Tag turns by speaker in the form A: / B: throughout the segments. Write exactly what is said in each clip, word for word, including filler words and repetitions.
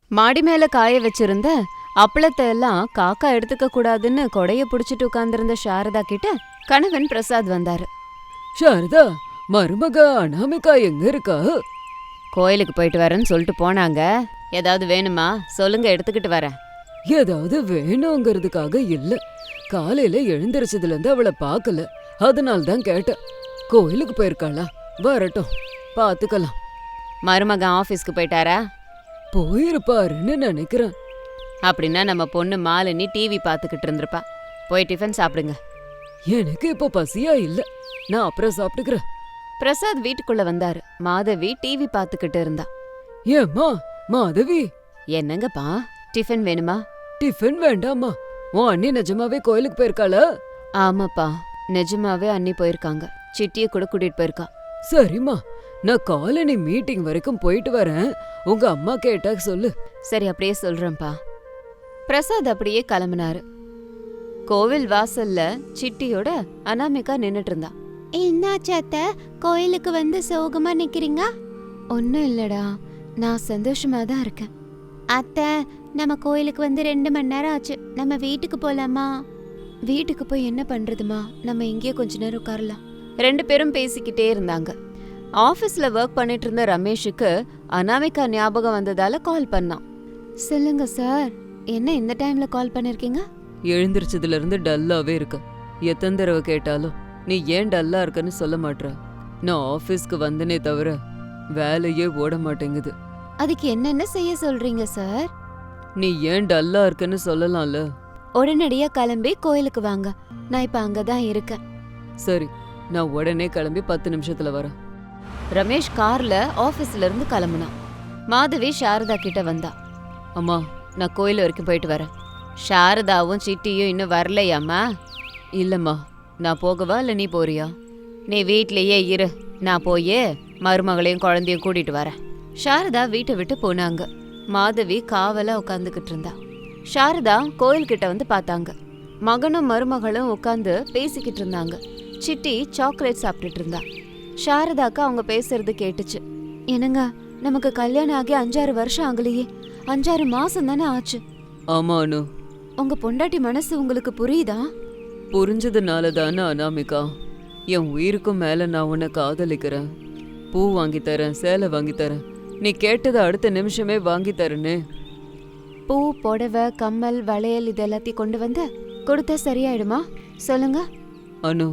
A: மாடி மேல காய வச்சிருந்த அப்பளத்தை எல்லாம் காக்கா எடுத்துக்க கூடாதுன்னு கொடைய புடிச்சிட்டு உட்கார்ந்திருந்த சாரதா கிட்ட கணவன் பிரசாத் வந்தாரு.
B: சாரதா, மருமக அனாமிகா எங்க இருக்கா?
A: கோயிலுக்கு போயிட்டு வரேன்னு சொல்லிட்டு போனாங்க. ஏதாவது வேணுமா சொல்லுங்க, எடுத்துக்கிட்டு வரேன்.
B: ஏதாவது வேணுங்கிறதுக்காக இல்ல, காலையில எழுந்திரிச்சதுல இருந்து அவளை பாக்கல, அதனால தான் கேட்டேன். கோயிலுக்கு போயிருக்காளா? வரட்டும், பாத்துக்கலாம்.
A: மருமகன் ஆபீஸ்க்கு போயிட்டாரா?
B: போயிருப்பாருன்னு நினைக்கிறேன்.
A: அப்படின்னா நம்ம பொண்ணு மாலினி டிவி பாத்துக்கிட்டு இருந்திருப்பா. போய் டிஃபன் சாப்பிடுங்க.
B: எனக்கு இப்ப பசியா இல்ல, நான் அப்புறம் சாப்பிட்டுக்கிறேன்.
A: பிரசாத் வீட்டுக்குள்ள வந்தாரு. மாதவி டிவி பாத்துக்கிட்டு இருந்தா.
B: ஏம்மா மாதவி?
A: என்னங்கப்பா, டிஃபன் வேணுமா?
B: டிஃபன் வேண்டாமா? உன் அண்ணி நிஜமாவே கோயிலுக்கு போயிருக்காளா?
A: ஆமாப்பா, நிஜமாவே அண்ணி போயிருக்காங்க. சிட்டிய கூட கூட்டிட்டு போயிருக்கா.
B: சரிம்மா, நான் காலனி மீட்டிங் வரைக்கும் போயிட்டு வரேன். உங்க அம்மா கேட்டா சொல்லு.
A: சரி, அப்படியே சொல்றேன்ப்பா. பிரசாத் அப்படியே கிளம்பினாரு. கோவில் வாசல்ல சிட்டியோட அனாமிகா நின்னுட்டு இருந்தா. என்னாச்சு அத்தை, கோயிலுக்கு வந்து சோகமா நிக்கிறீங்க? ஒன்னும் இல்லடா, நான் சந்தோஷமா தான் இருக்கேன். அத்தை, நம்ம கோயிலுக்கு வந்து ரெண்டு மணி நேரம் ஆச்சு. நம்ம வீட்டுக்கு போலாமா? வீட்டுக்கு போய் என்ன பண்றதுமா, நம்ம இங்கேயே கொஞ்ச நேரம் உட்காரலாம். ரெண்டு பேரும் பேசிக்கிட்டே இருந்தாங்க. ஆபீஸ்ல ஒர்க் பண்ணிட்டு இருந்த ரமேஷுக்கு அனாமிகா ஞாபகம் வந்ததால கால் பண்ணான். சொல்லுங்க சார், என்ன இந்த டைம்ல கால் பண்ணிருக்கீங்க?
B: எழுந்திரிச்சதுல இருந்து டல்லாவே இருக்க. எத்தனை தடவை கேட்டாலும் நீ ஏன் டல்லா இருக்கன்னு சொல்ல மாட்ற. நான் ஆபீஸ்க்கு வந்தனே தவிர வேலையே ஓட மாட்டேங்குது.
A: அதுக்கு என்னென்ன செய்ய சொல்றீங்க சார்?
B: நீ ஏன் டல்லா இருக்கன்னு சொல்லலாம்ல.
A: உடனடியா கிளம்பி கோயிலுக்கு வாங்க, நான் இப்ப அங்கதான் இருக்கேன்.
B: சரி, நான் உடனே கிளம்பி பத்து நிமிஷத்துல வரேன்.
A: ரமேஷ் கார்ல ஆபீஸ்ல இருந்து கிளம்புனான். மாதவி சாரதா கிட்ட வந்தா.
B: அம்மா,
A: நான் கோயில் வரைக்கும் போயிட்டு வரேன். சாரதாவும் சிட்டியும் இன்னும் வரலையாம்மா?
B: இல்லம்மா.
A: நான் போகவா இல்ல நீ போறியா? நீ வீட்லயே இரு, நான் போயே மருமகளையும் குழந்தையும் கூட்டிட்டு வரேன். சாரதா வீட்டை விட்டு போனாங்க. மாதவி காவலா உட்காந்துக்கிட்டு இருந்தா. சாரதா கோயில் கிட்ட வந்து பார்த்தாங்க. மகனும் மருமகளும் உட்காந்து பேசிக்கிட்டு இருந்தாங்க. சிட்டி சாக்லேட் சாப்பிட்டுட்டு இருந்தா. சாரதாக்கு அவங்க பேசுறது கேட்டுச்சு. என்னங்க, நமக்கு கல்யாணம் ஆகி அஞ்சாறு வருஷம் ஆகலையே, அஞ்சாறு மாசம் தானே ஆச்சு.
B: ஆமா அனு.
A: உங்க பொண்டாட்டி மனசு உங்களுக்கு புரியுதா?
B: புரிஞ்சதுனால தானே அனாமிகா, என் உயிருக்கும் மேல நான் உன்னை காதலிக்கிறேன். பூ வாங்கி தரேன், சேலை வாங்கி தரேன், நீ கேட்டதை அடுத்த நிமிஷமே வாங்கி தரேன்னு.
A: பூ, புடவை, கம்மல், வளையல் இது எல்லாத்தையும் கொண்டு வந்து கொடுத்தா சரியாயிடுமா? சொல்லுங்க.
B: அனு,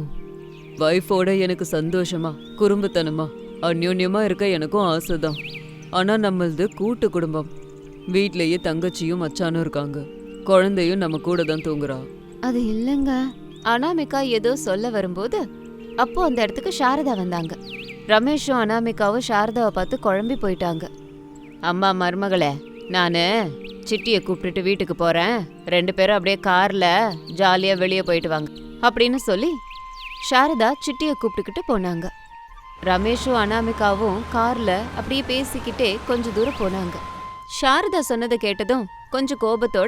B: வைஃபோட எனக்கு சந்தோஷமா குறும்புத்தனமா அந்யோன்யமா இருக்க எனக்கும் ஆசைதான். ஆனா நம்மளது கூட்டு குடும்பம். வீட்லயே தங்கச்சியும் மச்சானும் இருக்காங்க, குழந்தையும் நம்ம கூட தான் தூங்குறா.
A: அது இல்லங்க. அனாமிகா ஏதோ சொல்ல வரும்போது அப்போ அந்த இடத்துக்கு சாரதா வந்தாங்க. ரமேஷும் அனாமிகாவும் சாரதாவை பார்த்து குழம்பி போயிட்டாங்க. அம்மா மருமகளே, நானு சிட்டியை கூப்பிட்டுட்டு வீட்டுக்கு போறேன், ரெண்டு பேரும் அப்படியே கார்ல ஜாலியா வெளியே போயிட்டு வாங்க அப்படின்னு சொல்லி சாரதா சிட்டியை கூப்பிட்டுக்கிட்டு போனாங்க. ரமேஷும் அனாமிகாவும் கார்ல அப்படியே பேசிக்கிட்டே கொஞ்ச தூரம் போனாங்க. சாரதா சொன்னதை கேட்டதும் கொஞ்சம் கோபத்தோட,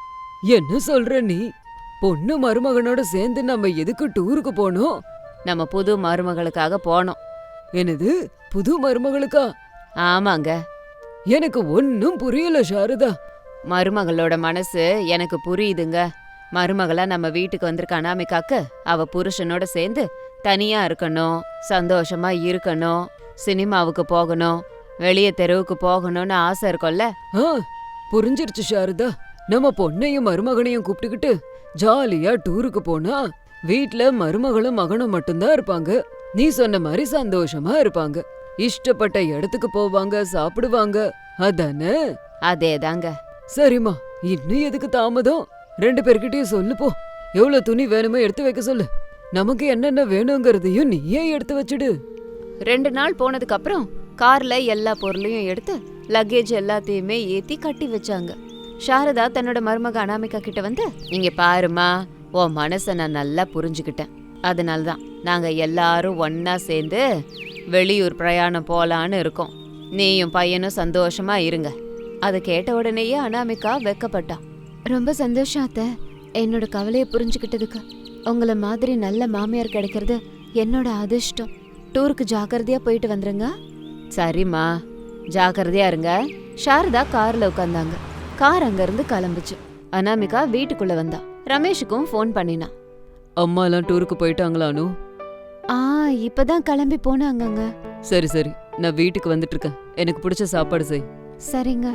B: என்ன சொல்ற நீ? பொண்ணு மருமகனோட சேர்ந்து நம்ம எதுக்கு டூருக்கு போனோம்?
A: நம்ம புது மருமகளுக்காக போனோம்.
B: என்னது, புது மருமகளுக்கா?
A: ஆமாங்க.
B: எனக்கு ஒன்னும் புரியல சாரதா.
A: மருமகளோட மனசு எனக்கு புரியுதுங்க. மருமகளா நம்ம வீட்டுக்கு வந்திருக்க அனாமிகாக்கு அவ புருஷனோட சேர்ந்து தனியா இருக்கணும், சந்தோஷமா இருக்கணும், சினிமாவுக்கு போகணும், வெளிய தெருவுக்கு போகணும்னு ஆசை இருக்கும்ல.
B: ஆ, புரிஞ்சிருச்சு சாரதா. நம்ம பொண்ணையும் மருமகனையும் கூப்பிட்டுக்கிட்டு ஜாலியா டூருக்கு போனா வீட்ல மருமகளும் மகனும் மட்டும்தான் இருப்பாங்க. நீ சொன்ன மாதிரி சந்தோஷமா இருப்பாங்க, இஷ்டப்பட்ட இடத்துக்கு போவாங்க, சாப்பிடுவாங்க, அதானே?
A: அதேதாங்க.
B: சரிம்மா, இன்னும் எதுக்கு தாமதம்? ரெண்டு பேர்கிட்டயும் சொல்லு போ. எவ்வளவு துணி வேணுமோ எடுத்து வைக்க சொல்லு. நமக்கு என்னென்ன வேணுங்கிறதையும் நீயே எடுத்து வச்சுடு.
A: ரெண்டு நாள் போனதுக்கு அப்புறம் கார்ல எல்லா பொருளையும் எடுத்து லக்கேஜ் எல்லாத்தையுமே ஏத்தி கட்டி வச்சாங்க. சாரதா தன்னோட மருமக அனாமிகா கிட்ட வந்து, நீங்க பாருமா, உன் மனச நான் நல்லா புரிஞ்சுக்கிட்டேன். அதனாலதான் நாங்க எல்லாரும் ஒன்னா சேர்ந்து வெளியூர் பிரயாணம் போலான்னு இருக்கோம். நீயும் பையனும் சந்தோஷமா இருங்க. அதை கேட்ட உடனேயே அனாமிகா வெக்கப்பட்டா. ரொம்ப சந்தோஷம் அத்தை, என்னோட கவலையை புரிஞ்சுக்கிட்டதுக்கு. உங்களை மாதிரி நல்ல மாமியார் கிடைக்கிறது என்னோட அதிர்ஷ்டம். டூருக்கு ஜாக்கிரதையா போயிட்டு வந்துருங்க. சரிம்மா, ஜாக்கிரதையா இருங்க. சாரதா கார்ல உட்கார்ந்தாங்க. கார் அங்க இருந்து கிளம்புச்சு. அனாமிகா வீட்டுக்குள்ள வந்தா. ரமேஷுக்கும் ஃபோன் பண்ணினா.
B: அம்மா எல்லாம் டூருக்கு போயிட்டாங்களா அனு?
A: ஆ இப்பதான் கிளம்பி போனாங்கங்க.
B: சரி சரி, நான் வீட்டுக்கு வந்துட்டு இருக்கேன். எனக்கு பிடிச்ச சாப்பாடு செய்.
A: சரிங்க.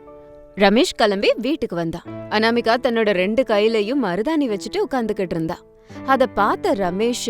A: ரமேஷ் கிளம்பி வீட்டுக்கு வந்தா. அனாமிகா தன்னோட ரெண்டு கையிலயும் மருதாணி வச்சுட்டு உட்கார்ந்துகிட்டு இருந்தா. அத பார்த்த ரமேஷ்,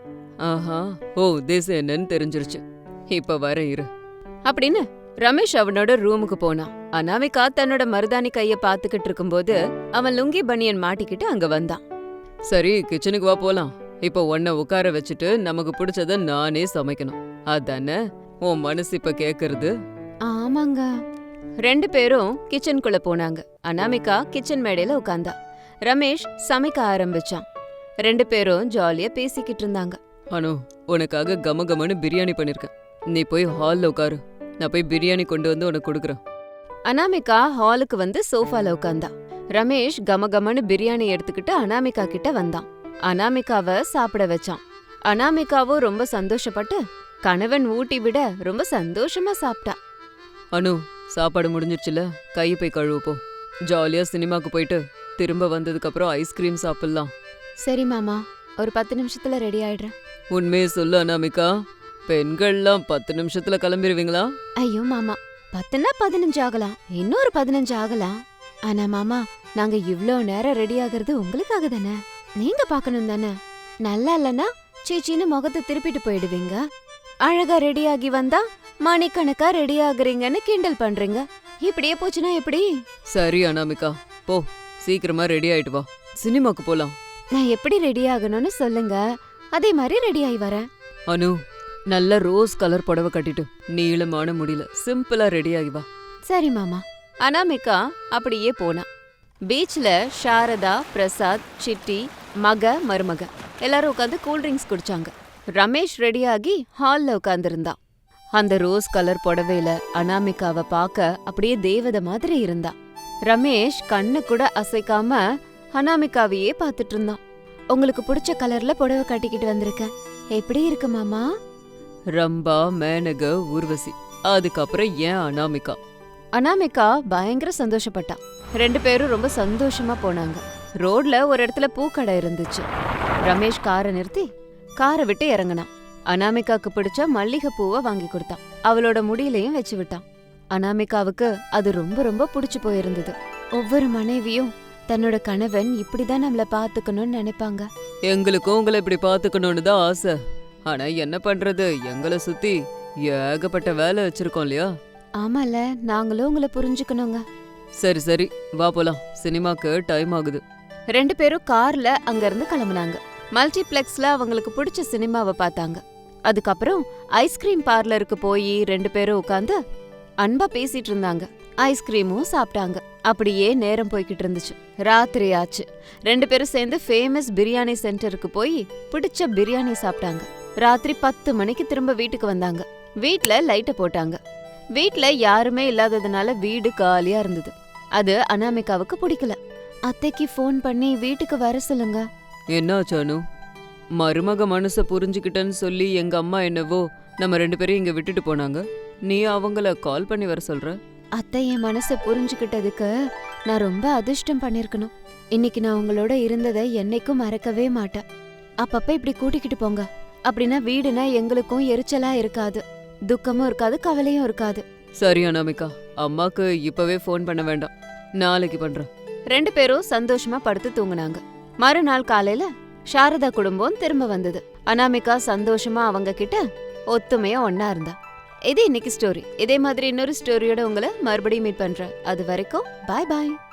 B: ஆஹா, ஓ உத்தேசம் என்னன்னு தெரிஞ்சிருச்சு. இப்ப வர இரு
A: அப்படின்னு ரமேஷ் அவனோட ரூமுக்கு போனான். அனாமிகா தன்னோட மருதாணி கைய பாத்துக்கிட்டு இருக்கும்போது அவன் லுங்கி பனியன் மாட்டிக்கிட்டு அங்க வந்தான்.
B: சரி, கிச்சனுக்கு வா போலாம். இப்ப உன்னை உட்கார வச்சுட்டு நமக்கு பிடிச்சத நானே சமைக்கணும். அதானே உன் மனசு இப்ப கேக்குறது?
A: ஆமாங்க. ரெண்டு பேரும் கிச்சனுக்குள்ள போனாங்க. அனாமிகா கிச்சன் மேடையில உட்கார்ந்தா. ரமேஷ் சமைக்க ஆரம்பிச்சான். ரெண்டு பேரும் ஜாலியா பேசிக்கிட்டு இருந்தாங்க.
B: அனு, உனக்காக கம கமன்னு பிரியாணி பண்ணிருக்கேன். நீ போய் ஹால்ல உட்காரு. நான் போய் பிரியாணி கொண்டு வந்து உனக்கு கொடுக்குறேன்.
A: அனாமிகா ஹாலுக்கு வந்து சோஃபால உட்கார்ந்தா. ரமேஷ் கமகமன்னு பிரியாணி எடுத்துக்கிட்டு அனாமிகா கிட்ட வந்தான். அனாமிகாவை சாப்பிட வச்சான். அனாமிகாவும் ரொம்ப சந்தோஷப்பட்டு கணவன் ஊட்டி விட ரொம்ப சந்தோஷமா சாப்பிட்டா.
B: அனு, சாப்பாடு முடிஞ்சிருச்சுல, கையை போய் கழுவுப்போ. ஜாலியா சினிமாக்கு போயிட்டு திரும்ப வந்ததுக்கு அப்புறம் ஐஸ்கிரீம் சாப்பிடலாம்.
A: சரி மாமா, ஒரு பத்து நிமிஷத்துல ரெடி ஆயிடுறேன்.
B: உண்மையே சொல்லு அனாமிகா, பெண்கள்லாம் பத்து நிமிஷத்துல கிளம்பிடுவீங்களா?
A: ஐயோ மாமா, பத்துனா பதினஞ்சு ஆகலாம், இன்னொரு பதினஞ்சு ஆகலாம். ஆனா மாமா, நாங்க இவ்ளோ நேரம் ரெடி ஆகுறது உங்களுக்காக தானே, நீங்க பாக்கணும் தானே. நல்லா இல்லனா சீச்சின்னு முகத்தை திருப்பிட்டு போயிடுவீங்க. அழகா ரெடி ஆகி வந்தா மணிக்கணக்கா ரெடி ஆகுறீங்கன்னு கிண்டல் பண்றீங்க. இப்படியே போச்சுன்னா எப்படி?
B: சரி அனாமிகா, போ சீக்கிரமா ரெடி ஆயிட்டு வா, சினிமாக்கு போலாம்.
A: நான் எப்படி ரெடி ஆகணும்னு சொல்லுங்க, அதே மாதிரி ரெடி ஆகி வரேன்.
B: அனு, நல்ல ரோஸ் கலர் புடவை கட்டிட்டு நீளமான முடியல சிம்பிளா ரெடி ஆகி வா.
A: சரி மாமா. அனாமிகா அப்படியே போனா. பீச்ல சாரதா, பிரசாத், சிட்டி, மக, மருமக எல்லாரும் உட்காந்து கூல்ட்ரிங்க்ஸ் குடிச்சாங்க. ரமேஷ் ரெடியாகி ஹால்ல உட்கார்ந்திருந்தான். அந்த ரோஸ் கலர் புடவையில அனாமிகாவை பார்க்க அப்படியே தேவதை மாதிரி இருந்தா. ரமேஷ் கண்ணு கூட அசைக்காம அனாமிகாவையே பார்த்துட்டு இருந்தான். உங்களுக்கு பிடிச்ச கலர்ல புடவை கட்டிக்கிட்டு வந்திருக்கேன், எப்படி இருக்கு மாமா?
B: ரம்பா, மேனக, ஊர்வசி, அதுக்கப்புறம் ஏன் அனாமிகா.
A: அனாமிகா பயங்கர சந்தோஷப்பட்டா. ரெண்டு பேரும் ரொம்ப சந்தோஷமா போனாங்க. ரோட்ல ஒரு இடத்துல பூக்கடை இருந்துச்சு. ரமேஷ் காரை நிறுத்தி காரை விட்டு இறங்கினான். அனாமிகாக்கு பிடிச்ச மல்லிகை பூவை வாங்கி கொடுத்தான். அவளோட முடியிலையும் வச்சு விட்டான். அனாமிகாவுக்கு அது ரொம்ப ரொம்ப பிடிச்சு போயிருந்தது. ஒவ்வொரு மனைவியும் தன்னோட கணவன் இப்படிதான் நம்மள பாத்துக்கணும்னு நினைப்பாங்க.
B: எங்களுக்கும் உங்களை இப்படி பாத்துக்கணும்னு தான் ஆசை. ஆனா என்ன பண்றது, எங்களை சுத்தி ஏகப்பட்ட வேலை வச்சிருக்கோம் இல்லையா?
A: ஆமால, நாங்களும் உங்களை புரிஞ்சுக்கணுங்க.
B: சரி சரி, வா போலாம், சினிமாக்கு டைம் ஆகுது.
A: ரெண்டு பேரும் கார்ல அங்க இருந்து கிளம்புனாங்க. மல்டிப்ளெக்ஸ்ல அவங்களுக்கு பிடிச்ச சினிமாவை பார்த்தாங்க. அதுக்கப்புறம் ஐஸ்கிரீம் பார்லருக்கு போய் ரெண்டு பேரும் உட்காந்து அன்பா பேசிட்டு இருந்தாங்க. ஐஸ்கிரீமும் சாப்பிட்டாங்க. அப்படியே நேரம் போய்கிட்டு இருந்துச்சு. ராத்திரி ஆச்சு. ரெண்டு பேரும் சேர்ந்து ஃபேமஸ் பிரியாணி சென்டருக்கு போய் பிடிச்ச பிரியாணி சாப்பிட்டாங்க. ராத்திரி பத்து மணிக்கு திரும்ப வீட்டுக்கு வந்தாங்க. வீட்ல லைட்ட போட்டாங்க. வீட்ல யாருமே இல்லாததுனால வீடு காலியா இருந்தது. அது அனாமிகாவுக்கு பிடிக்கல. அத்தைக்கு ஃபோன் பண்ணி வீட்டுக்கு வர சொல்லுங்க.
B: என்னாச்சு அனு? மருமக மனச புரிஞ்சுக்கிட்டேன்னு சொல்லி எங்க அம்மா என்னவோ நம்ம ரெண்டு பேரையும் இங்க விட்டுட்டு போனாங்க. நீ அவங்கள கால் பண்ணி வர சொல்ற?
A: அத்தை என் மனசை புரிஞ்சுக்கிட்டதுக்கு நான் ரொம்ப அதிர்ஷ்டம் பண்ணிருக்கணும். இன்னைக்கு நான் உங்களோட இருந்ததை என்னைக்கும் மறக்கவே மாட்டேன். அப்பப்ப இப்படி கூட்டிக்கிட்டு போங்க. அப்படின்னா வீடுனா எங்களுக்கும் எரிச்சலா இருக்காது, துக்கமும் இருக்காது, கவலையும் இருக்காது.
B: சரி அனாமிகா, அம்மாக்கு இப்பவே ஃபோன் பண்ண வேண்டாம், நாளைக்கு பண்றேன்.
A: ரெண்டு பேரும் சந்தோஷமா படுத்து தூங்குனாங்க. மறுநாள் காலையில சாரதா குடும்பம் திரும்ப வந்தது. அனாமிகா சந்தோஷமா அவங்க கிட்ட ஒத்துமையா ஒன்னா இருந்தா. இது இன்னைக்கு ஸ்டோரி. இதே மாதிரி இன்னொரு ஸ்டோரியோட உங்களை மறுபடியும் மீட் பண்றேன். அது வரைக்கும் பாய் பாய்.